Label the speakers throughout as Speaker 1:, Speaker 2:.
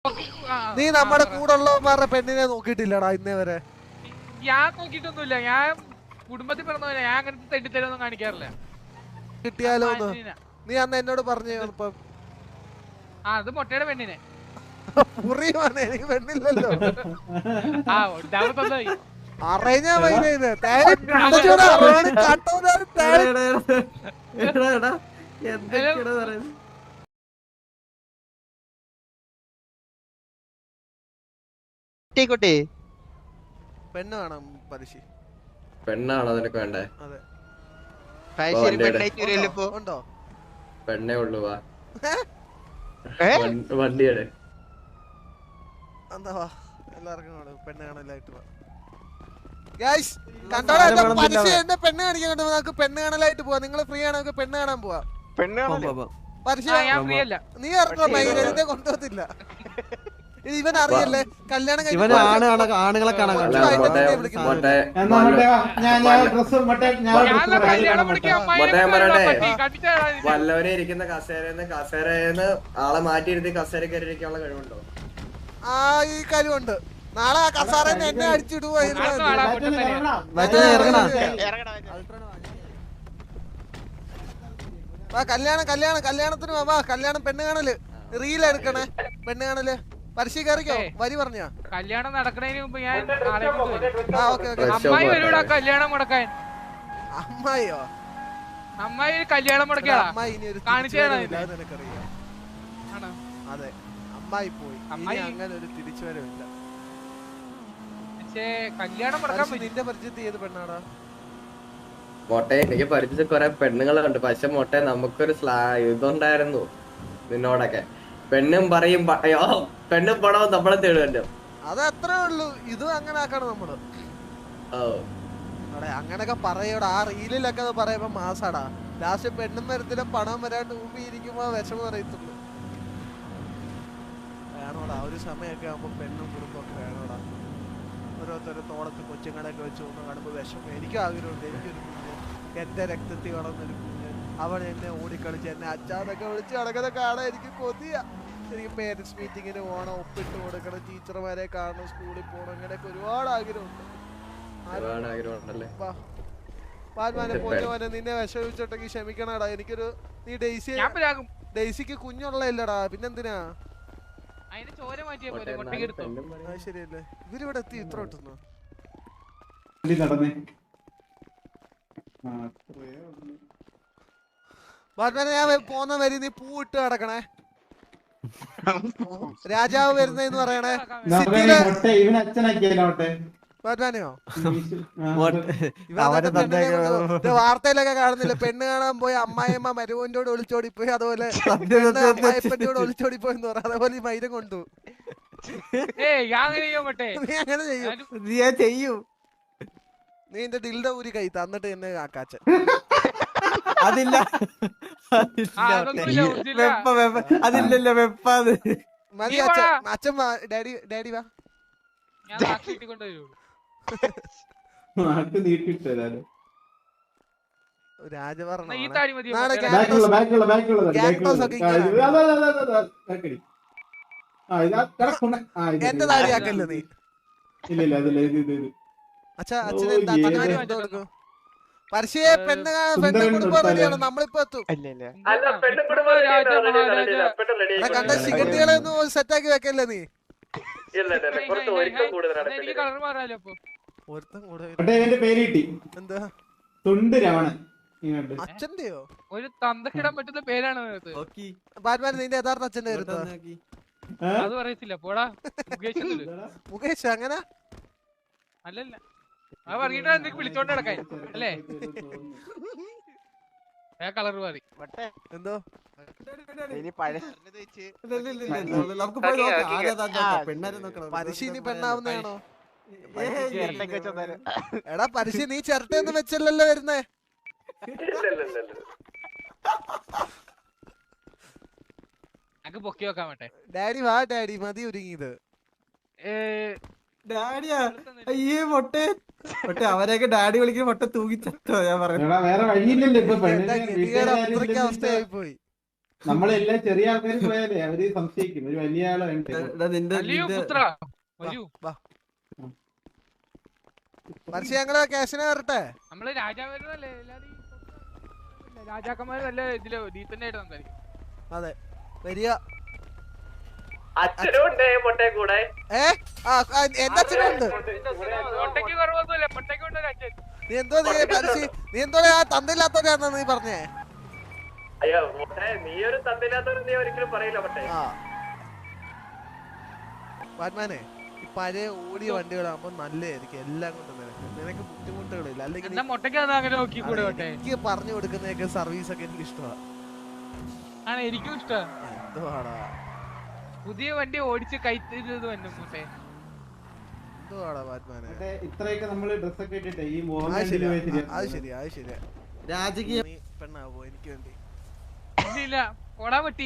Speaker 1: നീ നമ്മുടെ കൂടെ ഉള്ളവന്മാരുടെ പെണ്ണിനെ നോക്കിയിട്ടില്ലടാ ഇന്നേ വരെ.
Speaker 2: ഞാൻ നോക്കിട്ടൊന്നുമില്ല. ഞാൻ കുടുംബത്തിൽ പിറന്നവല്ല. ഞാൻ അങ്ങനത്തെ തെണ്ടിത്തരൊന്നും കാണിക്കാറില്ല.
Speaker 1: കിട്ടിയാലോ നീ അന്ന് എന്നോട് പറഞ്ഞു. ഇപ്പം
Speaker 2: അത് മുട്ടയുടെ പെണ്ണിനെ
Speaker 1: എനിക്ക് പെണ്ണില്ലല്ലോ. അറിഞ്ഞാ പെണ്ണ് വേണം പലിശ.
Speaker 3: പെണ്ണാണോ നിനക്ക് വേണ്ടേ?
Speaker 1: അതെ. ഉണ്ടോ?
Speaker 3: പെണ്ണേ ഉള്ളു. വാ വണ്ടിയുടെ
Speaker 1: എന്താ വാ എല്ലാവർക്കും പെണ്ണ് കാണലായിട്ട് വാ. കണ്ടോടാ പലിശ എന്നെ പെണ്ണ് കാണിക്കാൻ കൊണ്ട് നമുക്ക് പെണ്ണ് കാണലായിട്ട് പോവാ. നിങ്ങൾ ഫ്രീ ആണോ? നമുക്ക് പെണ്ണ് കാണാൻ പോവാ. പലിശ നീ ഇറക്കോ മൈരനെ കൊണ്ടുപോകത്തില്ല. ഇവൻ അറിയല്ലേ കല്യാണം
Speaker 3: വല്ലവരെ ഇരിക്കുന്ന കസേരന്ന് ആളെ മാറ്റിയിരുത്തി കസേര കയറിയിരിക്കാനുള്ള കഴിവുണ്ടോ?
Speaker 1: ആ ഈ കഴിവുണ്ട്. നാളെ ആ കസാറന്ന് എന്നെ അടിച്ചിടുവോ? കല്യാണത്തിന് വാ. കല്യാണം പെണ്ണ് കാണല് റീൽ എടുക്കണേ. പെണ്ണ് കാണല് പലിശ കയറിക്കോ. വരി പറഞ്ഞ
Speaker 2: കല്യാണം നടക്കണതിന് മുമ്പ് ഞാൻ
Speaker 1: അമ്മായി
Speaker 2: വരൂടാ കല്യാണം മുടക്കാൻ.
Speaker 1: അമ്മായിയോ?
Speaker 2: അമ്മായി കല്യാണം മുടക്കിയാ കാണിച്ചതാണ്.
Speaker 1: അതെ അമ്മായി പോയി. അങ്ങനെ ഒരു തിരിച്ചുവരവില്ല.
Speaker 2: പക്ഷേ കല്യാണം മുടക്കാൻ
Speaker 1: നിന്റെ പരിചയത്തിൽ ഏത് പെണ്ണാടാ?
Speaker 3: മോട്ടെ എനിക്ക് പരിചയ കൊറേ പെണ്ണുങ്ങളുണ്ട്. പക്ഷെ മോട്ടെ നമുക്കൊരു ഇതുണ്ടായിരുന്നു നിന്നോടൊക്കെ. പെണ്ണും പറയും പെണ്ണും പണവും നമ്മളെ തേടുമല്ലോ.
Speaker 1: അത് അത്രേ ഉള്ളൂ. ഇത് അങ്ങനെ ആക്കണം നമ്മള്. അങ്ങനൊക്കെ പറയൂടാ. ആ റീലിലൊക്കെ അത് പറയുമ്പോ മാസാടാ. ലാസ്റ്റ് പെണ്ണും വരത്തില്ല പണം വരാണ്ട് മുമ്പ് ഇരിക്കുമ്പോ വിഷമം അറിയത്തുള്ളൂ. വേണോടാ ഒരു സമയമൊക്കെ ആകുമ്പോ പെണ്ണും കുടുംബമൊക്കെ വേണോടാ. ഓരോരുത്തരും തോളത്ത് കൊച്ചുങ്ങളൊക്കെ വെച്ച് കൊണ്ട് കാണുമ്പോ വിഷമം. എനിക്കും ആഗ്രഹമുണ്ട്. എനിക്കൊരു കുഞ്ഞ് എന്റെ രക്തത്തിൽ വളർന്നൊരു കുഞ്ഞ്. അവൻ എന്നെ ഓടിക്കളിച്ച് എന്നെ അച്ഛാന്നൊക്കെ വിളിച്ച് നടക്കുന്ന കാണാൻ എനിക്ക് കൊതിയ. എനിക്ക് പേരൻസ് മീറ്റിങ്ങിന് പോകണം, ഒപ്പിട്ട് കൊടുക്കണം, ടീച്ചർമാരെ കാണണം, സ്കൂളിൽ പോകണം. അങ്ങനെയൊക്കെ ഒരുപാട് ആഗ്രഹമുണ്ട്. നിന്നെ വിഷമിച്ചിട്ടെങ്കിൽ ക്ഷമിക്കണടാ. എനിക്കൊരു നീ ഡെയ്സിക്ക് കുഞ്ഞുള്ളല്ലടാ. പിന്നെന്തിനാ? ശരിയല്ലേ ഇവരിവിടെ എത്തി ഇത്ര കിട്ടുന്നു. ഞാൻ പോന്ന വരി നീ പൂ ഇട്ട് കിടക്കണേ. രാജാവ് വരുന്നെന്ന് പറയണേ. വാർത്തയിലൊക്കെ കാണുന്നില്ല. പെണ്ണ് കാണാൻ പോയി അമ്മായിയമ്മ മരുവോന്റെ ഒളിച്ചോടിപ്പോയി. അതുപോലെ അമ്മായിപ്പന്റെ ഒളിച്ചോടിപ്പോയി എന്ന് പറയാം. അതേപോലെ ഈ മൈരം കൊണ്ടു നീ അങ്ങനെ ചെയ്യൂ. നീ എന്റെ ദിൽഡ ഊരി കൈ തന്നിട്ട് എന്നെ കാക്കാച്ച.
Speaker 4: അതില്ല അതില്ലല്ലോ വെപ്പാത്.
Speaker 1: മതി അച്ഛൻ വാ. ഡാഡി വാ. രാജഭരണം എന്റെ താടിയാക്കല്ലോ നീ. അച്ഛാ അച്ഛനെ പരസ്യയെ പെണ്ണ് കുടുംബം റെഡിയാണ്. നമ്മളിപ്പോ എത്തും. കണ്ട സിഗരറ്റുകളെ ഒന്നും സെറ്റാക്കി വെക്കല്ലേ നീ. എന്താ അച്ഛന്റെയോ?
Speaker 2: ഒരു തന്തക്കിടാൻ പറ്റുന്ന പേരാണ്
Speaker 1: ബാറ്റ്മാൻ. നിന്റെ യഥാർത്ഥ അച്ഛന്റെ പേര്
Speaker 2: അത് പറയത്തില്ല. പോടാ
Speaker 1: മുകേഷ്. അങ്ങനെ
Speaker 2: അല്ലല്ല അത് പറഞ്ഞിട്ടാ നിനക്ക് വിളിച്ചോണ്ട് നടക്കാൻ അല്ലേ? കളർ മാറി
Speaker 1: എന്തോ പരിശീലി പെണ്ണാവുന്നതാണോ? എടാ പരിശീലി നീ ചിരട്ടയൊന്നും വെച്ചല്ലോ വരുന്നേ.
Speaker 2: പൊക്കി വെക്കാൻ വേണ്ടേ?
Speaker 1: ഡാഡി വാ. ഡാഡി മതി ഒരുങ്ങിയത്.
Speaker 4: ഡാഡിയാ? അയ്യേ മൊട്ടെ മൊട്ടെ അവരെയൊക്കെ ഡാഡി വിളിക്കുന്ന മൊട്ട തൂങ്ങിച്ചോ. ഞാൻ പറഞ്ഞു
Speaker 1: അവസ്ഥയായി പോയി.
Speaker 5: നമ്മളെല്ലാം ചെറിയ ആൾക്കാർ പോയാലേ അവര് സംശയിക്കും ഒരു വലിയ ആളെ വേണ്ടേ
Speaker 4: എടാ നിന്റെ
Speaker 2: അല്ലയോ
Speaker 4: നിന്റെ
Speaker 2: പുത്ര വരൂ.
Speaker 1: മനുഷ്യ ഞങ്ങള് ക്യാഷിനെ വരട്ടെ.
Speaker 2: നമ്മള് രാജാവല്ലേ എല്ലാരും രാജാക്കന്മാര് നല്ല ഇതില് ഡീസന്റ് ആയിട്ട് സംസാരിക്കും.
Speaker 1: അതെ വരിക.
Speaker 3: അച്ഛനും ഉണ്ട് പൊട്ടെ കൂടെ.
Speaker 1: എന്റെ അച്ഛനുണ്ട്.
Speaker 2: പൊട്ടയ്ക്ക് കുറവൊന്നുമില്ല, പൊട്ടയ്ക്ക് ഉണ്ട് ഒരു അച്ഛൻ.
Speaker 1: നീ എന്തോ നീ എന്തോ ആ തന്തയില്ലാത്തവരാണെന്നാ നീ പറഞ്ഞേ.
Speaker 3: അയ്യോ പൊട്ടെ, നീ ഒരു തന്നില്ലാത്തവർ നീ ഒരിക്കലും പറയില്ല പൊട്ടെ.
Speaker 1: ബാറ്റ്മാനെ ഈ പഴയ ഓടിയ വണ്ടികളാകുമ്പോ നല്ലതായിരിക്കും എല്ലാം കൊണ്ടും. നിനക്ക് ബുദ്ധിമുട്ടുകളില്ല. അല്ലെങ്കിൽ
Speaker 2: എന്നാ മുട്ടയ്ക്ക് അത് അങ്ങനെ നോക്കി കൂടെ പൊട്ടെ.
Speaker 1: എനിക്ക് പറഞ്ഞു കൊടുക്കുന്നതൊക്കെ സർവീസ് ഒക്കെ എനിക്ക് ഇഷ്ടമാണ്.
Speaker 2: ആണ് എനിക്കും ഇഷ്ടം.
Speaker 1: എന്തുവാടാ
Speaker 2: പുതിയ വണ്ടി ഓടിച്ച് കൈത്തത് വന്നു മുട്ടെ.
Speaker 1: എന്തുവാടാ ബാറ്റ്മാനെ.
Speaker 5: ഇത്രയൊക്കെ നമ്മള് ഡ്രസ്സൊക്കെ ഇട്ടിട്ട് ഈ
Speaker 1: അത് ശരിയാ
Speaker 4: രാജകീയ
Speaker 1: നീ പെണ്ണാവോ എനിക്ക് വേണ്ടി?
Speaker 2: ഇല്ല കൊടാ പറ്റി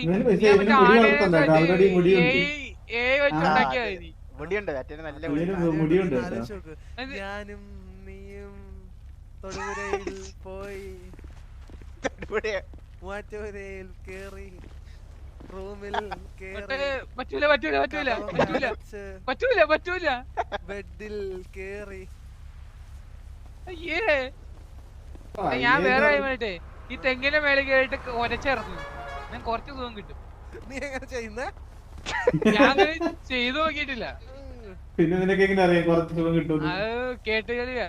Speaker 1: ആലോചിച്ച് നോക്ക്. ഞാനും നീയും തൊടുപുഴയിൽ പോയി മൂവാറ്റുപുഴയിൽ കേറി റൂമിൽ
Speaker 2: പറ്റൂല പറ്റൂല പറ്റൂല പറ്റൂല പറ്റൂല പറ്റൂല
Speaker 1: ബെഡിൽ കേറി.
Speaker 2: അയ്യേ ഞാൻ വേറെ വേണ്ടേ ഈ തെങ്ങിന്റെ മേലെ കേറിട്ട് ഒരച്ചിറങ്ങു. ഞാൻ കുറച്ച് സുഖം കിട്ടും.
Speaker 1: നീ എങ്ങനെ ചെയ്യുന്നേ?
Speaker 2: ഞാൻ ചെയ്തു നോക്കിയിട്ടില്ല.
Speaker 5: പിന്നെ നിനക്ക് എങ്ങനെ അറിയാം കുറച്ച് സുഖം കിട്ടും?
Speaker 2: അത് കേട്ട് കളിയാ.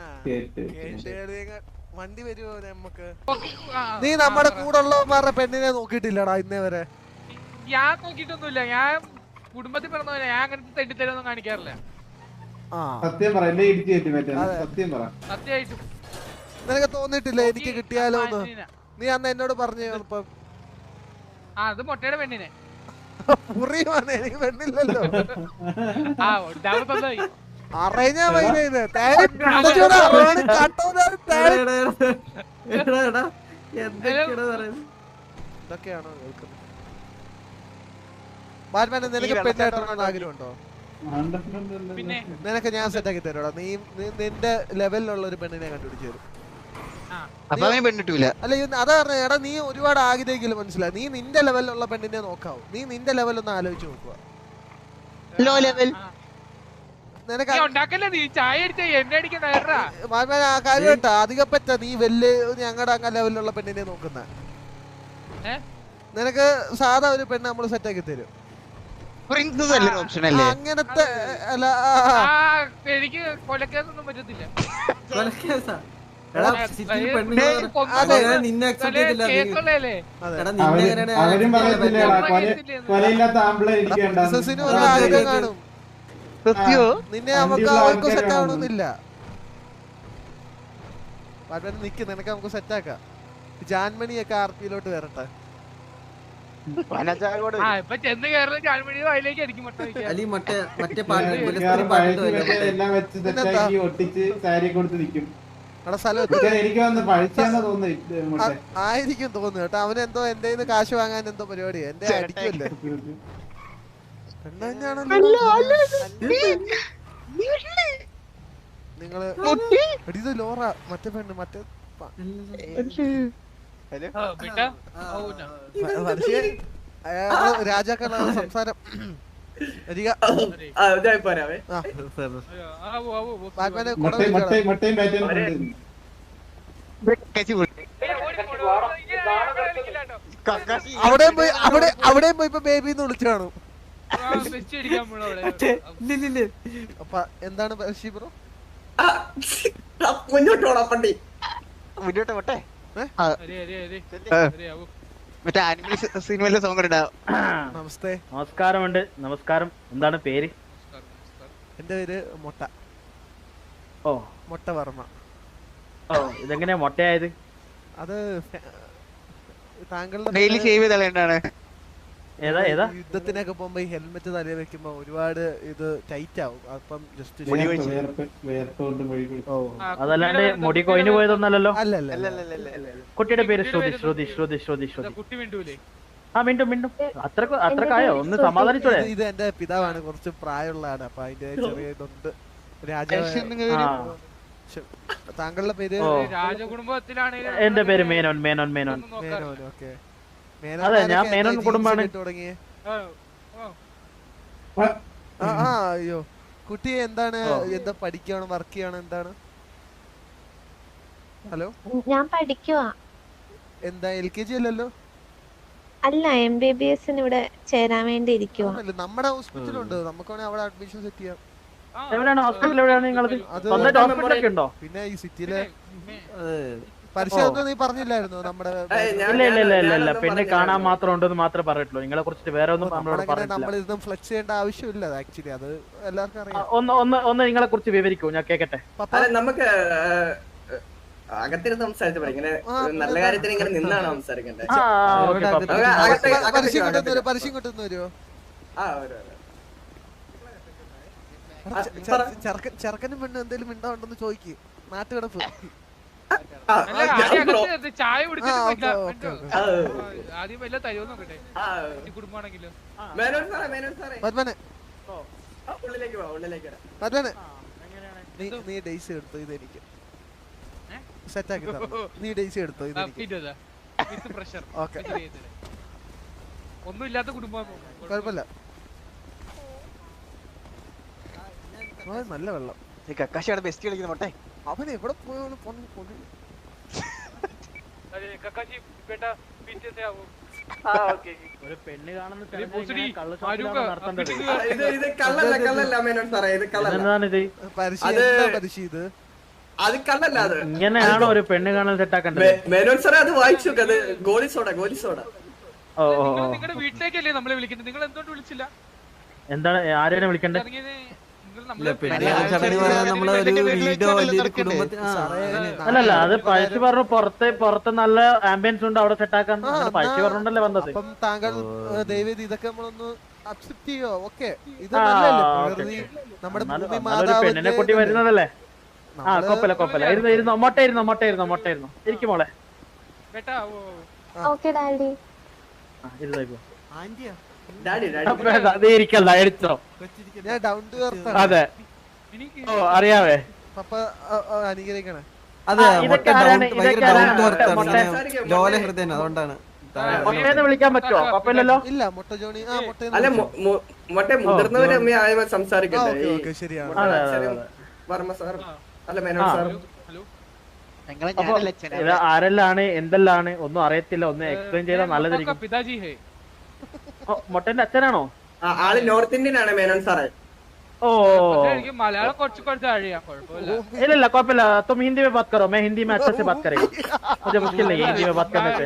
Speaker 1: വണ്ടി വരുമോ നമ്മക്ക്? നീ നമ്മുടെ കൂടെ ഉള്ളവന്മാരുടെ പെണ്ണിനെ നോക്കിയിട്ടില്ലടാ ഇന്നേ വരെ?
Speaker 2: ഞാൻ നോക്കിയിട്ടൊന്നുമില്ല. ഞാൻ കുടുംബത്തിൽ പറഞ്ഞ ഞാൻ അങ്ങനത്തെ തെണ്ടിത്തരൊന്നും കാണിക്കാറില്ല.
Speaker 5: സത്യം പറ, എന്നെ ഇടിച്ചു കയറ്റി പറ്റാ. സത്യം പറ.
Speaker 2: സത്യമായിട്ടും
Speaker 1: നിനക്ക് തോന്നിട്ടില്ല എനിക്ക് കിട്ടിയാലോ എന്ന്? നീ അന്ന് എന്നോട് പറഞ്ഞു ഇപ്പം
Speaker 2: അത് മുട്ടയുടെ പെണ്ണിനെ
Speaker 1: പുറിയുമാണ്. എനിക്ക് പെണ്ണില്ലല്ലോ. അറിഞ്ഞാ ഇതൊക്കെയാണോ കേൾക്കുന്നത്? ബാറ്റ്മാനെ നിനക്ക് പെണ്ണായിട്ടാണ് ആഗ്രഹമുണ്ടോ?
Speaker 2: പിന്നെ
Speaker 1: നിനക്ക് ഞാൻ സെറ്റാക്കി തരാടാ. നീ നിന്റെ ലെവലിലുള്ള ഒരു പെണ്ണിനെ കണ്ടുപിടിച്ചു തരും. അല്ല അതാ പറഞ്ഞ എടാ, നീ ഒരുപാട് ആഗ്രഹിക്കില്ല, മനസ്സിലായി? നീ നിന്റെ ലെവലിലുള്ള പെണ്ണിനെ നോക്കാവൂ. നീ നിന്റെ ലെവലൊന്ന് ആലോചിച്ച് നോക്കുക. നിനക്ക് ആ കാര്യം കേട്ടാ അധികം പറ്റ നീ വലിയ ഞങ്ങളുടെ അങ്ങ ലെവലിലുള്ള പെണ്ണിനെ നോക്കുന്ന. നിനക്ക് സാധാ ഒരു പെണ്ണ് നമ്മള് സെറ്റാക്കി തരും. അങ്ങനത്തെ അല്ല,
Speaker 2: എനിക്ക് കൊലക്കേസൊന്നും പറ്റത്തില്ല.
Speaker 4: നിന്നെ അക്സെപ്റ്റ് ചെയ്തില്ല.
Speaker 5: അവരും പറയത്തില്ലേടാ കൊലയില്ലാത്ത ആമ്പിളെ ഇരിക്കേണ്ട.
Speaker 1: കാണും. നിന്നെ നമുക്ക് അവർക്ക് സെറ്റ് ആവണമെന്നില്ല. നിക്ക്, നിനക്ക് നമുക്ക് സെറ്റ് ആക്കാം. ജാൻമണിയൊക്കെ ആർപിയിലോട്ട് വരട്ടെ.
Speaker 5: എല്ലാം വെച്ച് സെറ്റാക്കി ഒട്ടിച്ച് സാരി കൊടുത്ത് നിക്കും. എനിക്ക് വന്ന് പഴിച്ചാന്ന് തോന്നുന്നു.
Speaker 1: ആയിരിക്കും തോന്നുന്നു കേട്ടോ. അവനെന്തോ എന്റെ കാശ് വാങ്ങാൻ എന്തോ പരിപാടി. എന്റെ അടിക്കുമല്ലേ നിങ്ങള് ഇത് ലോറ മറ്റേ പെണ്ണ് മറ്റേ രാജാക്കളുടെ സംസാരം. അവിടെ പോയി ഇപ്പൊ ബേബിന്ന് വിളിച്ചു കാണും. അപ്പൊ എന്താണ് ബ്രോ?
Speaker 6: മറ്റേ ആനിമൽ സിനിമയിലെ സോങ് ഉണ്ടാവും.
Speaker 1: നമസ്തേ.
Speaker 7: നമസ്കാരമുണ്ട്. നമസ്കാരം. എന്താണ് പേര്?
Speaker 1: എന്റെ പേര് മൊട്ട.
Speaker 7: ഓ,
Speaker 1: മൊട്ട വർമ്മ.
Speaker 7: ഓ, ഇതെങ്ങനെയാ മൊട്ടയായത്?
Speaker 1: അത് താങ്കളുടെ
Speaker 6: ഡെയിലി ഷേവ് ചെയ്താണ്.
Speaker 7: ഏതാ ഏതാ?
Speaker 1: യുദ്ധത്തിനൊക്കെ പോകുമ്പോ ഈ ഹെൽമെറ്റ് തലയിൽ വെക്കുമ്പോ ഒരുപാട് ഇത് ടൈറ്റ് ആവും. അപ്പം ജസ്റ്റ്
Speaker 7: അതല്ലാണ്ട് മുടി കൊയിന് പോയതൊന്നല്ലോ.
Speaker 1: അല്ലല്ല.
Speaker 7: കുട്ടിയുടെ പേര് ശ്രുതി. ശ്രുതി ശ്രുതി ശ്രുതി ശ്രുതി. ആ മിണ്ടും മിണ്ടും. അത്രക്കായോ? ഒന്ന് സമാധാനിച്ചോളെ.
Speaker 1: ഇത് എന്റെ പിതാവാണ്, കുറച്ച് പ്രായമുള്ളതാണ്. അപ്പൊ അതിന്റെ ചെറിയ ഇതുണ്ട്. രാജാവ്. താങ്കളുടെ പേര്?
Speaker 2: രാജകുടുംബത്തിലാണ്.
Speaker 7: എന്റെ പേര് മേനോൻ. മേനോൻ മേനോൻ.
Speaker 1: ഓക്കെ.
Speaker 7: അതെ, ഞാൻ മേനോൻ കുടുംബാണ്.
Speaker 1: തുടങ്ങിയേ
Speaker 2: ഓ, ഓ.
Speaker 1: അയ്യോ കുട്ടി എന്താണ് എന്താ പഠിക്കുകയാണ് വർക്ക് ചെയ്യാണ് എന്താണ്? ഹലോ
Speaker 8: ഞാൻ പഠിക്കുവാ.
Speaker 1: എന്താ LKG അല്ലല്ലോ?
Speaker 8: അല്ല, MBBS ഇവിടെ ചേരാൻ വേണ്ടി ഇരിക്കുവാ.
Speaker 1: നമ്മുടെ ഹോസ്പിറ്റലുണ്ട്, നമുക്ക് വേണേ അവിടെ അഡ്മിഷൻ സെറ്റ് ചെയ്യാം.
Speaker 7: എവിടെയാണ് ഹോസ്പിറ്റൽ? എവിടെയാണ് നിങ്ങളത്? സ്വന്തമായിട്ട് ഹോസ്പിറ്റലൊക്കെ ഉണ്ടോ?
Speaker 1: പിന്നെ ഈ സിറ്റിയിലെ പരിശോധന നീ പറഞ്ഞില്ലായിരുന്നു നമ്മുടെ
Speaker 7: ഇല്ല. പിന്നെ കാണാൻ മാത്രം ഉണ്ടെന്ന് മാത്രമേ പറഞ്ഞിട്ടുള്ളൂ. നിങ്ങളെ കുറിച്ചിട്ട് വേറെ ഒന്നും നമ്മളോട് പറഞ്ഞിട്ടില്ല.
Speaker 1: നമ്മളിതൊന്നും ഫ്ലെക്സ് ചെയ്യേണ്ട ആവശ്യമില്ല ആക്ച്വലി, അത് എല്ലാവർക്കും അറിയാം.
Speaker 7: ഒന്ന് നിങ്ങളെ കുറിച്ച് വിവരിക്കൂ, ഞാൻ കേക്കട്ടെ.
Speaker 3: നമുക്ക് അകത്തിരുന്ന് സംസാരിച്ചു ഇങ്ങനെ നല്ല കാര്യത്തിന് ഇങ്ങനെ നിന്നാണ് സംസാരിക്കണ്ടേ?
Speaker 1: പരസ്യം കിട്ടുന്ന വരുമോ? ചെറുക്കനും പെണ്ണും എന്തെങ്കിലും മിണ്ടാണ്ടെന്ന് ചോദിക്ക്. നാട്ടുകിടപ്പ്
Speaker 2: അല്ല, ആദ്യം അകത്ത് ചായ കുടിച്ചിട്ട് പോയില്ല. ആദ്യം വല്ല തരുമോ നോക്കട്ടെ, കുടുംബമാണെങ്കിലോ.
Speaker 1: നീ ഡേയ്സ് എടുത്തു ഇതെനിക്ക് സെറ്റാക്കി നീ ഡേയ്സ് എടുത്തോ ഇതെനിക്ക്
Speaker 2: പ്രഷർ
Speaker 1: ഓക്കെ
Speaker 2: ഒന്നും ഇല്ലാത്ത കുടുംബം
Speaker 1: കുഴപ്പമില്ല. നല്ല വെള്ളം.
Speaker 6: കക്കാശിയുടെ ബെസ്റ്റ് കളിക്കുന്ന മൊട്ടെ.
Speaker 1: അവൻ എവിടെ പോയാണ്?
Speaker 7: ഒരു പെണ്ണ് കാണുന്ന ഇങ്ങനെയാണോ ഒരു പെണ്ണ് കാണാൻ സെറ്റാക്കണ്ടത്?
Speaker 2: നിങ്ങളുടെ വീട്ടിലേക്കല്ലേ നമ്മളെ വിളിക്കുന്നത്? നിങ്ങൾ എന്തുകൊണ്ട് വിളിച്ചില്ല?
Speaker 7: എന്താണ് ആരെയാണ് വിളിക്കണ്ടേ? അല്ലല്ല, അത് പഴച്ചു പറഞ്ഞു പുറത്ത് നല്ല ആംബിയൻസ് ഉണ്ട്, അവിടെ സെറ്റാക്കാൻ പഴച്ചു പറഞ്ഞോണ്ടല്ലേ വന്നത്.
Speaker 1: അപ്പം താങ്കൾ ദയവേദി ഇതൊക്കെ നമ്മളൊന്ന് അക്സെപ്റ്റ് ചെയ്യോ? ഓക്കെ, ഇത് നമ്മുടെ
Speaker 7: പെണ്ണിനെ കൂട്ടി വരുന്നതല്ലേ? കൊപ്പല ഇരുന്നോ മൊട്ടയിരുന്നോ ഇരിക്കും മോളെ.
Speaker 8: Okay daddy.
Speaker 7: ഇരിക്കല്ല, എടുത്തോ. അതെ, ഓ അറിയാവേ.
Speaker 1: പപ്പ അനുഗ്രഹിക്കണേ.
Speaker 4: അതെ, ലോല ഹൃദയൻ, അതുകൊണ്ടാണ്.
Speaker 7: മൊട്ടേന്ന് വിളിക്കാൻ പറ്റുമോ? കുഴപ്പമില്ലല്ലോ.
Speaker 1: ഇല്ല, മുട്ട ജോണി.
Speaker 3: അല്ല മൊട്ടെ മുതിർന്നവരെ അമ്മ സംസാരിക്കട്ടെ.
Speaker 1: ശരിയാണ്.
Speaker 3: വർമ്മ സാർ അല്ല മേനോൻ സാർ.
Speaker 7: ഇത് ആരെല്ലാണ് എന്തെല്ലാണ് ഒന്നും അറിയത്തില്ല, ഒന്ന് എക്സ്പ്ലെയിൻ ചെയ്താൽ നല്ലതായിരിക്കും. മൊട്ടന്റെ അച്ഛനാണോ?
Speaker 3: ആള് നോർത്ത് ഇന്ത്യൻ ആണ് മേനോൻ സാറേ.
Speaker 7: ഓ
Speaker 2: മലയാളം കുറച്ച് അറിയാം, കുഴപ്പമില്ല.
Speaker 7: ഇല്ല കുഴപ്പമില്ല. तुम हिंदी में बात करो, मैं हिंदी में अच्छे से बात करेंगे. मुझे मुश्किल नहीं है हिंदी में बात करने से.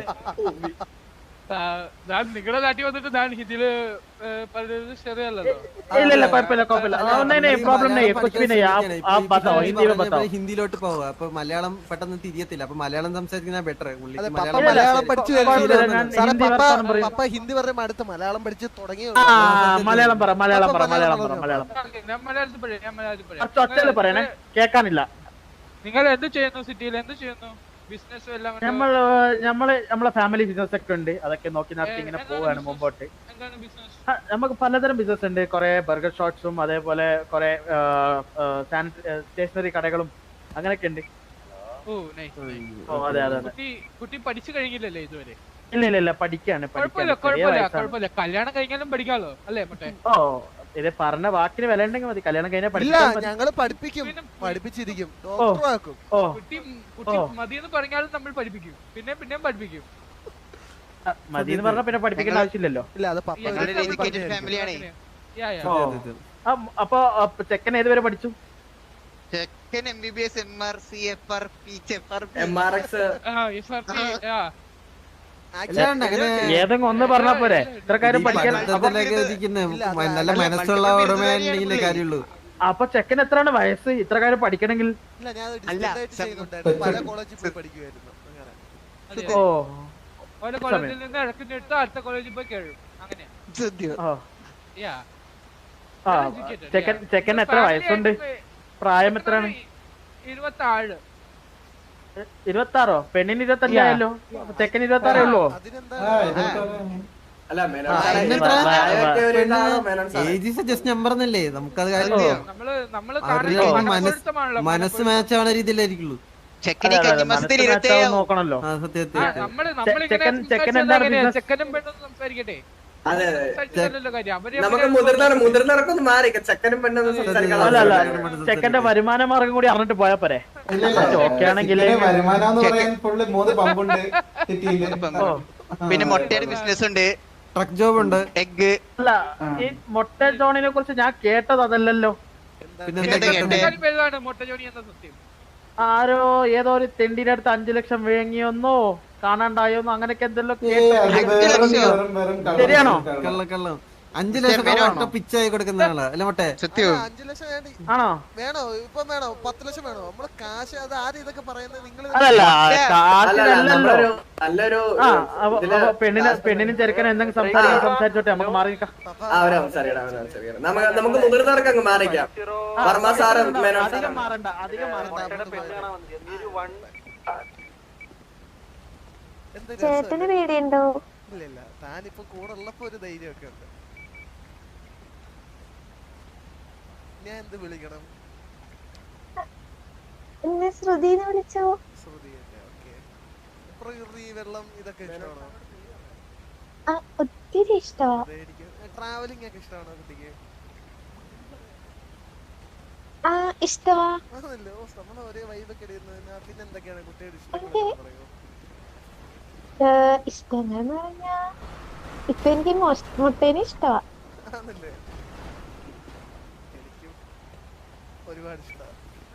Speaker 2: ഞാൻ നിങ്ങളുടെ നാട്ടിൽ വന്നിട്ട് ഞാൻ ഹിന്ദിയില് പറയുന്നത് ശരിയല്ലല്ലോ.
Speaker 7: ഇല്ല കുഴപ്പമില്ല. नहीं प्रॉब्लम नहीं है, कुछ भी नहीं है. आप बताओ, हिंदी में बताओ.
Speaker 4: ഹിന്ദിയിലോട്ട് പോവുക, അപ്പൊ മലയാളം പെട്ടെന്ന് തിരിയത്തില്ല. അപ്പൊ മലയാളം സംസാരിക്കുന്ന ബെറ്റർ.
Speaker 1: മലയാളം പഠിച്ചു പപ്പ ഹിന്ദി പറയുമ്പോ അടുത്ത് മലയാളം പഠിച്ച് തുടങ്ങി.
Speaker 7: മലയാളം പറ.
Speaker 2: ഞാൻ മലയാളത്തിൽ
Speaker 7: ഒറ്റ പറയണേ, കേൾക്കാനില്ല.
Speaker 2: നിങ്ങൾ എന്ത് ചെയ്യുന്നു? സിറ്റിയിൽ എന്ത് ചെയ്യുന്നു? ബിസിനസ് എല്ലാം?
Speaker 7: നമ്മളെ ഫാമിലി ബിസിനസ് ഒക്കെ ഉണ്ട്, അതൊക്കെ നോക്കി നടത്തി ഇങ്ങനെ പോവാണ് മുമ്പോട്ട്.
Speaker 2: എന്താണ് ബിസിനസ്?
Speaker 7: നമുക്ക് പലതരം ബിസിനസ് ഉണ്ട്. കുറെ ബർഗർ ഷോപ്സും അതേപോലെ കുറെ സ്റ്റേഷനറി കടകളും അങ്ങനെയൊക്കെ ഉണ്ട്. അതെ.
Speaker 2: കുട്ടി പഠിച്ചു കഴിഞ്ഞില്ലല്ലേ ഇതുവരെ?
Speaker 7: ഇല്ല പഠിക്കാണ്.
Speaker 2: കുഴപ്പമില്ല, കല്യാണം കഴിഞ്ഞാലും പഠിക്കാലോ അല്ലേ മറ്റേ?
Speaker 7: ഓ, ഇത് പറഞ്ഞ വാക്കിന് വില ഉണ്ടെങ്കിൽ മതി. കല്യാണം കഴിഞ്ഞാൽ
Speaker 1: ഞങ്ങള് പഠിപ്പിച്ചിരിക്കും.
Speaker 2: കുട്ടി മതിയെന്ന് പറഞ്ഞാലും നമ്മൾ പഠിപ്പിക്കും, പിന്നെയും പഠിപ്പിക്കും.
Speaker 7: മതിയെന്ന് പറഞ്ഞാൽ പിന്നെ പഠിപ്പിക്കേണ്ട ആവശ്യമില്ലല്ലോ. അപ്പൊ ചെക്കൻ ഏതുവരെ പഠിച്ചു?
Speaker 6: ചെക്കൻ MBBS, MR, CFR, PHFR,
Speaker 3: MRX.
Speaker 7: ഏതെങ്കിലും ഒന്ന് പറഞ്ഞാ പോരെ? ഇത്ര കാര്യം പഠിക്കാൻ
Speaker 4: നല്ല മനസ്സുള്ള ഉടമയാണെങ്കിലേ കാര്യമുള്ളൂ.
Speaker 7: അപ്പൊ ചെക്കൻ എത്രയാണ് വയസ്സ് ഇത്ര കാര്യം പഠിക്കണമെങ്കിൽ? ഓ,
Speaker 2: കോളേജിൽ നിന്ന് ഇടയ്ക്ക് അടുത്ത കോളേജിൽ പോയി കേഴും, അങ്ങനെ.
Speaker 7: ചെക്കൻ എത്ര വയസ്സുണ്ട്? പ്രായം എത്രയാണ്?
Speaker 2: 26.
Speaker 7: 26? പെണ്ണിന് 25 ആയല്ലോ, ചെക്കൻ 26 ഉള്ളൂ.
Speaker 4: ജസ്റ്റ് നമ്പർ എന്നല്ലേ, നമുക്കത്
Speaker 2: നമ്മള്
Speaker 4: മനസ്സ് മാച്ച് ആവുന്ന രീതിയിലായിരിക്കുള്ളൂ.
Speaker 6: ചെക്കനെ കന്നിമാസത്തിൽ 27
Speaker 7: നോക്കണല്ലോ.
Speaker 2: ചെക്കനും പെണ്ണും സംസാരിക്കട്ടെ.
Speaker 3: അതെ
Speaker 2: സംസാരിച്ചതല്ലല്ലോ കാര്യം.
Speaker 3: നമുക്ക് മുതിർന്നവർക്കൊന്ന് മാറി ചെക്കനും പെണ്ണൊന്നും സംസാരിക്കാൻ
Speaker 7: ചെക്കന്റെ വരുമാന മാർഗം കൂടി അറിഞ്ഞിട്ട് പോയാ പോരെ.
Speaker 5: വരുമാനം ഫുള്ള് 3 പമ്പുണ്ട് സിറ്റിയില്.
Speaker 6: പിന്നെ മുട്ടയുടെ ബിസിനസ് ഉണ്ട്,
Speaker 4: ട്രക്ക് ജോബ് ഉണ്ട്,
Speaker 6: എഗ്.
Speaker 7: അല്ല ഈ മൊട്ട ജോണിനെ കുറിച്ച് ഞാൻ കേട്ടത് അതല്ലല്ലോ.
Speaker 2: മൊട്ട ജോണി എന്ന സത്യം
Speaker 7: ആരോ ഏതോ ഒരു തെണ്ടിന്റെ അടുത്ത് 5 ലക്ഷം വേങ്ങിയൊന്നോ കാണാണ്ടായോന്നോ അങ്ങനെയൊക്കെ എന്തെല്ലോ ശരിയാണോ?
Speaker 4: കള്ളം 5 ലക്ഷം പിച്ചായി കൊടുക്കുന്ന ആളാ അല്ല മൊട്ടെ.
Speaker 1: 5 ലക്ഷം
Speaker 7: ആണോ?
Speaker 1: വേണോ? ഇപ്പൊ വേണോ? 10 ലക്ഷം വേണോ? നമ്മള് കാശ് അത് ആരും ഇതൊക്കെ പറയുന്നത് നിങ്ങൾ
Speaker 3: നല്ലൊരു
Speaker 7: പെണ്ണിനും ചെറുക്കനും എന്തെങ്കിലും സംസാരിച്ചോട്ടെ, നമുക്ക് മാറി നിൽക്കാം.
Speaker 3: നമുക്ക് മുതിർന്നവർക്ക് അങ്ങ് മാറിക്കാം. വർമ്മ സാറും
Speaker 7: അധികം മാറണ്ട.
Speaker 8: ചേട്ടന് പേടിയുണ്ടോ?
Speaker 1: ഇല്ല, താനിപ്പോ കൂടെ ഉള്ളപ്പോ ഒരു ധൈര്യമൊക്കെ ഉണ്ട്. ഞാൻ എന്ത് വിളിക്കണം?
Speaker 8: എന്നെ ശ്രുതിന്ന് വിളിച്ചോ?
Speaker 1: ശ്രുതി തന്നെ. ഓക്കെ. പ്രകൃതി, വെള്ളം ഇതൊക്കെ ഇഷ്ടമാണോ?
Speaker 8: ഒത്തിരി ഇഷ്ടമാ.
Speaker 1: ട്രാവലിംഗ് ഒക്കെ ഇഷ്ടമാണോ കുട്ടിക്ക്?
Speaker 8: ഇഷ്ടമാ.
Speaker 1: ആണല്ലോ, നമ്മളെ ഒരേ വൈബൊക്കെ ഇടുന്നതിന്. പിന്നെ എന്തൊക്കെയാണ് കുട്ടിയുടെ ഇഷ്ടം?
Speaker 8: ഇഷ്ടങ്ങൾ എന്ന് പറഞ്ഞാ ഇപ്പൊ എനിക്ക് മുട്ടേനെ ഇഷ്ടമാ.
Speaker 1: ആണല്ലേ, എനിക്കും ഒരുപാട് ഇഷ്ടമാണ്.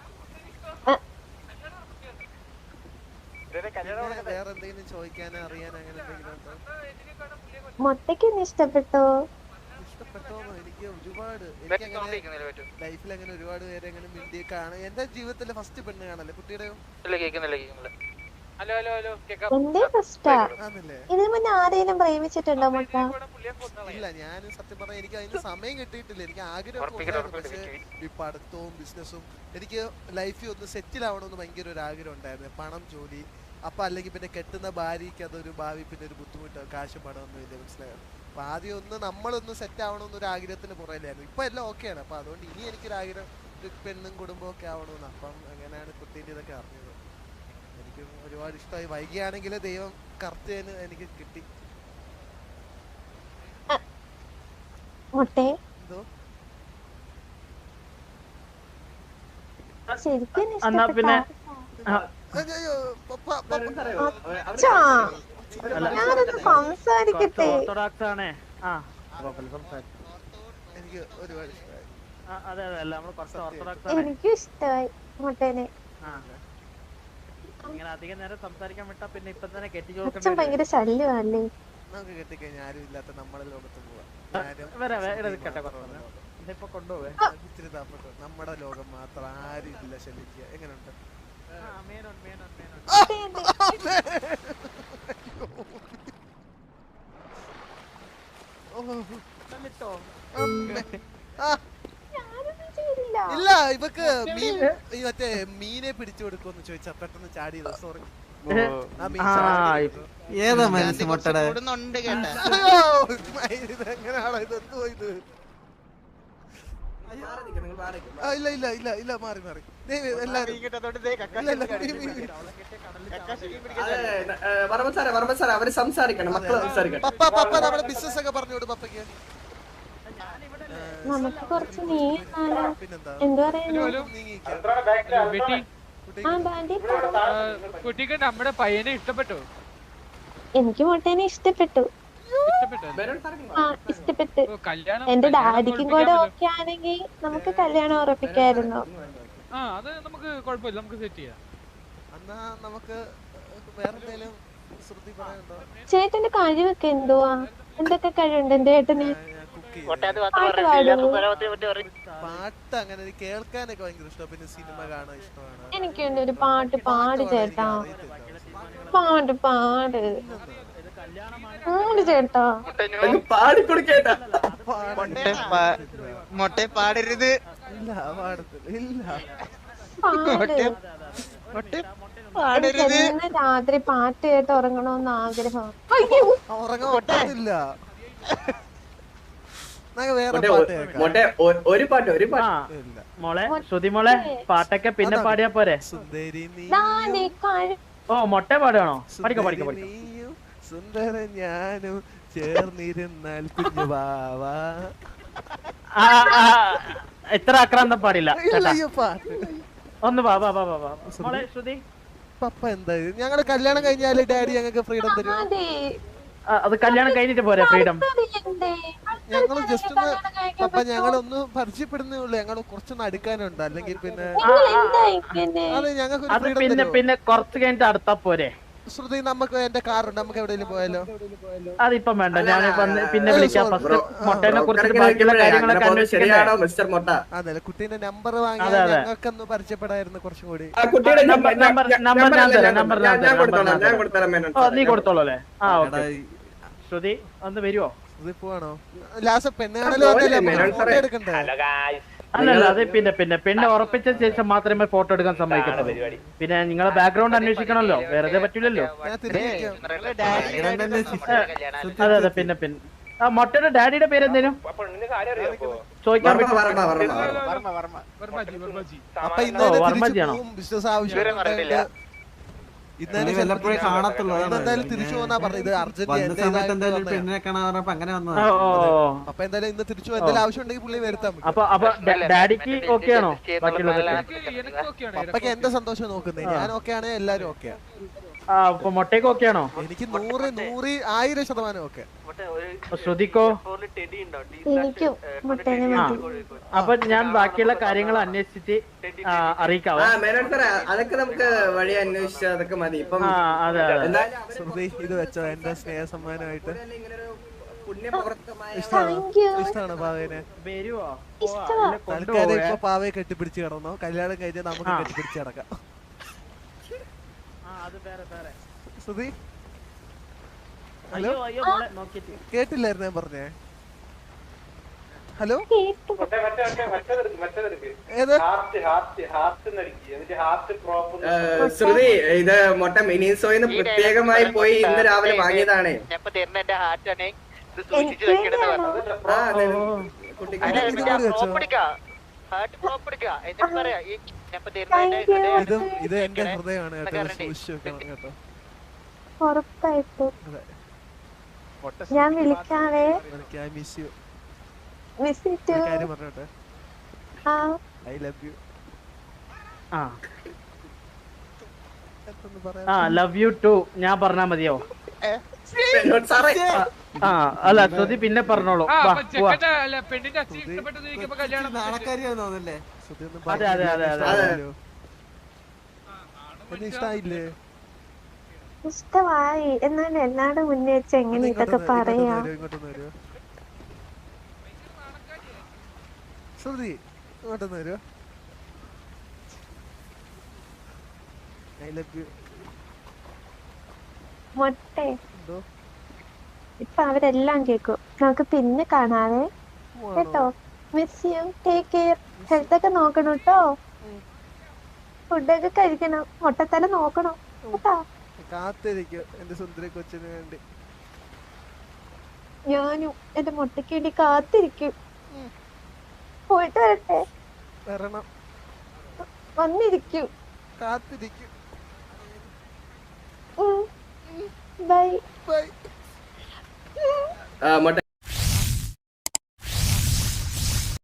Speaker 1: വേറെ എന്തെങ്കിലും ചോദിക്കാനോ അറിയാനോ അങ്ങനെ എന്തെങ്കിലും ഉണ്ടോ?
Speaker 8: മുട്ടയ്ക്കൊന്ന് ഇഷ്ടപ്പെട്ടോ?
Speaker 1: ഇഷ്ടപ്പെട്ടോന്നോ? എനിക്ക് ഒരുപാട് ലൈഫിൽ അങ്ങനെ ഒരുപാട് പേരെ അങ്ങനെ മിണ്ടി കാണാൻ. എന്റെ ജീവിതത്തിലെ ഫസ്റ്റ് പെണ്ണ് കാണല്ലേ കുട്ടിയുടെയോ?
Speaker 8: എന്റെ ഫസ്റ്റാ. ഇതിനു മുന്നേ ആരെയും പ്രേമിച്ചിട്ടുണ്ടോ മുട്ട?
Speaker 1: ഇല്ല, ഞാൻ സത്യം പറഞ്ഞാൽ എനിക്ക് അതിന് സമയം കിട്ടിയിട്ടില്ല. എനിക്ക് ആഗ്രഹം, പക്ഷേ ഈ പഠിത്തവും ബിസിനസ്സും എനിക്ക് ലൈഫിൽ ഒന്ന് സെറ്റിൽ ആവണമെന്ന് ഭയങ്കര ഒരു ആഗ്രഹം ഉണ്ടായിരുന്നു. പണം, ജോലി, അപ്പൊ അല്ലെങ്കിൽ പിന്നെ കെട്ടുന്ന ഭാര്യയ്ക്ക് അതൊരു ഭാവി പിന്നെ ഒരു ബുദ്ധിമുട്ട്, കാശും പണമൊന്നും ഇല്ല, മനസ്സിലായോ? അപ്പൊ ആദ്യം ഒന്ന് നമ്മളൊന്ന് സെറ്റ് ആവണമെന്നൊരു ആഗ്രഹത്തിന് പുറയിലായിരുന്നു. ഇപ്പൊ എല്ലാം ഓക്കെയാണ്. അപ്പൊ അതുകൊണ്ട് ഇനി എനിക്കൊരാഗ്രഹം ഒരു പെണ്ണും കുടുംബവും ഒക്കെ ആവണമെന്ന്. അപ്പം അങ്ങനെയാണ് കുട്ടീൻ്റെ ഇതൊക്കെ അറിഞ്ഞത്. എനിക്ക് ഒരുപാട് ഇഷ്ടമായി. വൈകിയാണെങ്കിൽ ദൈവം കറക്റ്റ് എനിക്ക് കിട്ടി. എന്തോ
Speaker 8: ശരിക്കും ഞാനൊന്ന് സംസാരിക്കട്ടെ.
Speaker 1: എനിക്ക് ഒരുപാട് ഇഷ്ടമായി.
Speaker 8: എനിക്കും ഇഷ്ടമായി മുട്ടേനെ.
Speaker 7: അധികം നേരം സംസാരിക്കാൻ വിട്ടാ പിന്നെ ഇപ്പൊ തന്നെ
Speaker 8: അച്ഛൻ ഭയങ്കര ശല്യമല്ലേ?
Speaker 1: നമുക്ക് കെട്ടിക്കഴിഞ്ഞാൽ ആരും ഇല്ലാത്ത നമ്മുടെ ലോകത്ത് പോവാം.
Speaker 7: കൊണ്ടുപോവേ
Speaker 1: ഇച്ചിരി താമസം നമ്മുടെ ലോകം മാത്രം, ആരും ഇല്ല ശല്യിക്കുക. എങ്ങനെയുണ്ട്? ഇല്ല, ഇവക്ക് മറ്റേ മീനെ പിടിച്ചു കൊടുക്കുമെന്ന് ചോദിച്ചാ പെട്ടെന്ന് ചാടിയത്. സോറി.
Speaker 4: ഏതാ മനസ്സ് മുട്ടടെ?
Speaker 1: എങ്ങനെയാണോ ഇത്? എന്തോ ഇത്? ഇല്ല ഇല്ല ഇല്ല ഇല്ല, മാറി മാറി.
Speaker 3: അവര് സംസാരിക്കണം, മക്കള് സംസാരിക്കണം.
Speaker 1: പപ്പ നമ്മുടെ ബിസിനസ് ഒക്കെ പറഞ്ഞോട് പപ്പയ്ക്ക്.
Speaker 8: നമുക്ക് കുറച്ച് നീങ്ങാലോ? എന്തു പറയുന്നു?
Speaker 2: കുട്ടിക്ക് നമ്മുടെ പയ്യനെ ഇഷ്ടപ്പെട്ടോ?
Speaker 8: എനിക്ക് മുട്ടേനെ ഇഷ്ടപ്പെട്ടു. ഇഷ്ടപ്പെട്ടു. എന്റെ ഡാഡിക്കും കൂടെ ഓക്കെ ആണെങ്കിൽ നമുക്ക് കല്യാണം ഉറപ്പിക്കായിരുന്നു.
Speaker 2: അത് നമുക്ക് കുഴപ്പമില്ല, നമുക്ക് സെറ്റ് ചെയ്യാം.
Speaker 1: എന്നാ നമുക്ക് വേറെ എന്തെങ്കിലും ശ്രുതി പറയാനുണ്ടോ?
Speaker 8: ചേട്ടന്റെ കഴിവൊക്കെ എന്തുവാ? എന്തൊക്കെ കഴിവുണ്ട് എന്റെ ചേട്ടന്? പാട്ട് പാടുമോ?
Speaker 1: പാട്ട് അങ്ങനെ കേൾക്കാനൊക്കെ ഭയങ്കര ഇഷ്ടം. പിന്നെ സിനിമ കാണാൻ ഇഷ്ടമാണ്.
Speaker 8: എനിക്കുണ്ട് ഒരു പാട്ട്. പാട് ചേട്ടാ, പാട് പാട് ചേട്ടാ.
Speaker 6: മൊട്ടെ പാടരുത്.
Speaker 1: ഇല്ല, പാടത്തില്ല.
Speaker 8: രാത്രി പാട്ട് കേട്ട് ഉറങ്ങണമെന്ന് ആഗ്രഹം.
Speaker 1: ഉറങ്ങാൻ പറ്റത്തില്ല. നമുക്ക് വേറെ
Speaker 3: മൊട്ടെ
Speaker 1: പാട്ട് കേൾക്കാം.
Speaker 3: മൊട്ടെ ഒരു പാട്ട്
Speaker 7: ആ
Speaker 1: ഇല്ല.
Speaker 7: മോളെ ശ്രുതി മോളെ പാട്ടൊക്കെ പിന്നെ പാടിയാ പോരെ?
Speaker 1: സുന്ദരി
Speaker 7: ഓ മൊട്ട പാടുകയാണോ? പഠിക്കോ പഠിക്കോ പഠിക്കോ.
Speaker 1: നീയും സുന്ദര ഞാനും ചേർന്നിരുന്നാൽ കുഞ്ഞു വാവാ.
Speaker 7: ഇത്ര ആക്രാന്തം പാടില്ല ചേട്ടാ.
Speaker 1: അയ്യോ പാട്ട്.
Speaker 7: ഒന്ന് വാ വാ വാ വാ വാ. മോളെ ശ്രുതി
Speaker 1: പപ്പ എന്താ ഞങ്ങള് കല്യാണം കഴിഞ്ഞാല് ഡാഡി ഞങ്ങൾക്ക് ഫ്രീഡം തരും.
Speaker 7: അത് കല്യാണം കഴിഞ്ഞിട്ട് പോരെ ഫ്രീഡം?
Speaker 1: ഞങ്ങള് ജസ്റ്റ് ഒന്ന് പപ്പ ഞങ്ങളൊന്ന് പരിചയപ്പെടുന്നേ ഉള്ളൂ. ഞങ്ങള് കുറച്ചൊന്ന് അടുക്കാനുണ്ട്. അല്ലെങ്കിൽ പിന്നെ അത് ഞങ്ങൾക്ക്
Speaker 7: അത് പിന്നെ പിന്നെ കുറച്ച് കഴിഞ്ഞിട്ട് അടുത്താ പോരെ?
Speaker 1: ശ്രുതി നമുക്ക് എന്റെ കാറുണ്ട്, നമുക്ക് എവിടെയെങ്കിലും പോയാലോ?
Speaker 7: അതിപ്പം വേണ്ട, ഞാൻ പിന്നെ വിളിക്കാം. ഫസ്റ്റ് മൊട്ടേനെ കുറിച്ച് ബാക്കിയുള്ള കാര്യങ്ങളൊക്കെ
Speaker 3: ശരിയാണോ മിസ്റ്റർ മൊട്ട?
Speaker 1: അതെ കുട്ടീന്റെ നമ്പർ വാങ്ങി ഞങ്ങൾക്കൊന്ന് പരിചയപ്പെടായിരുന്നു കുറച്ചും കൂടി.
Speaker 7: നീ കൊടുത്തോളൂ അല്ലേ? ആ ഓക്കെ. ശ്രുതി ഒന്ന് വരുവോ?
Speaker 1: ശ്രുതി പോവാണോ? ലാസ്റ്റ് പെണ്ണുകാണല്ലോ എടുക്കണ്ടേ?
Speaker 7: അല്ലല്ല അത് പിന്നെ പിന്നെ പെണ്ണ് ഉറപ്പിച്ച ശേഷം മാത്രമേ ഫോട്ടോ എടുക്കാൻ സമ്മതിക്കത്തുള്ളൂ. പിന്നെ നിങ്ങളെ ബാക്ക്ഗ്രൗണ്ട് അന്വേഷിക്കണമല്ലോ, വെറുതെ പറ്റില്ലല്ലോ. അതെ അതെ പിന്നെ പിന്നെ ആ മൊട്ടയുടെ ഡാഡിയുടെ പേര് എന്തേലും ചോദിക്കാൻ പറ്റും?
Speaker 1: അപ്പൊ ഇന്നലെ ബിസിനസ് ആവശ്യം
Speaker 4: വല്ലപ്പോഴേ കാണത്തുള്ളൂ.
Speaker 1: എന്തായാലും തിരിച്ചു പോന്നാ പറഞ്ഞത്.
Speaker 4: പെണ്ണിനെ കാണാൻ പറഞ്ഞപ്പോ അങ്ങനെ വന്നതാ.
Speaker 1: അപ്പൊ എന്തായാലും ഇന്ന് തിരിച്ചു എന്തായാലും ആവശ്യം ഉണ്ടെങ്കിൽ പുള്ളി വരുത്താൻ പറ്റും.
Speaker 7: അപ്പൊ ഡാഡിക്ക് ഓക്കെ ആണോ?
Speaker 1: അപ്പൊക്ക് എന്റെ സന്തോഷം നോക്കുന്നേ. ഞാൻ ഓക്കെ ആണ്, എല്ലാരും ഓക്കെയാ.
Speaker 7: അപ്പൊ മൊട്ടയ്ക്ക് ഓക്കെ ആണോ?
Speaker 1: എനിക്ക് 100% ഓക്കെ.
Speaker 7: ശ്രുതിക്കോ? അപ്പൊ ഞാൻ ബാക്കിയുള്ള കാര്യങ്ങൾ അന്വേഷിച്ചിട്ട് അറിയിക്കാവോ?
Speaker 3: അതൊക്കെ നമുക്ക് വഴി അന്വേഷിച്ച അതൊക്കെ മതി. ഇപ്പം
Speaker 1: ശ്രുതി ഇത് വെച്ചോ എന്റെ സ്നേഹ സമ്മാനമായിട്ട്. ഇഷ്ടമാണ് പാവേനെ. തൽക്കാലം ഇപ്പൊ പാവയെ കെട്ടിപ്പിടിച്ച് കിടന്നോ. കല്യാണം കഴിഞ്ഞാൽ നമുക്ക് കെട്ടിപ്പിടിച്ച് കിടക്കാം. ശ്രുതി ഹലോ കേട്ടില്ലായിരുന്നു ഞാൻ പറഞ്ഞേ? ഹലോ ഏത്
Speaker 3: ശ്രുതി ഇത് മൊട്ട മിനിസോയിന്ന് പ്രത്യേകമായി പോയി ഇന്ന് രാവിലെ വാങ്ങിയതാണ്.
Speaker 1: ഇത് എന്റെ ഹൃദയമാണ് കേട്ടോ. സൂക്ഷിച്ചു കേട്ടോ.
Speaker 8: ഉറപ്പായിട്ടും ഞാൻ വിളിക്കാവേ.
Speaker 1: I love you.
Speaker 7: Love you too ഞാൻ പറഞ്ഞാ മതിയോ? അല്ല ശ്രുതി പിന്നെ പറഞ്ഞോളൂ. അതെ അതെ അതെ അതെ.
Speaker 1: ഇഷ്ടായില്ലേ?
Speaker 8: ഇഷ്ടമായി. എന്നാലും എല്ലാടും മുന്നേ വെച്ച് എങ്ങനെ ഇതൊക്കെ പറയാ?
Speaker 1: ശ്രുതി ഇങ്ങോട്ടൊന്ന് വരുമോ? I love U.
Speaker 8: മൊട്ടെ ഇപ്പൊ അവരെല്ലാം കേക്കും. നമുക്ക് പിന്നെ കാണാവേ കേട്ടോ. Miss you. Take care. Health ഒക്കെ നോക്കണം കേട്ടോ. ഫുഡൊക്കെ കഴിക്കണം. മൊട്ടത്തല നോക്കണം കേട്ടോ.
Speaker 1: കാത്തിരിക്കും എന്റെ സുന്ദരി കൊച്ചിന് വേണ്ടി.
Speaker 8: ഞാനും എന്റെ മുട്ടയ്ക്ക് വേണ്ടി കാത്തിരിക്കും. പോയിട്ട് വരട്ടെ?
Speaker 1: വരണം.
Speaker 8: വന്നിരിക്കും.
Speaker 1: കാത്തിരിക്കും.
Speaker 8: ബൈ
Speaker 3: മൊട്ട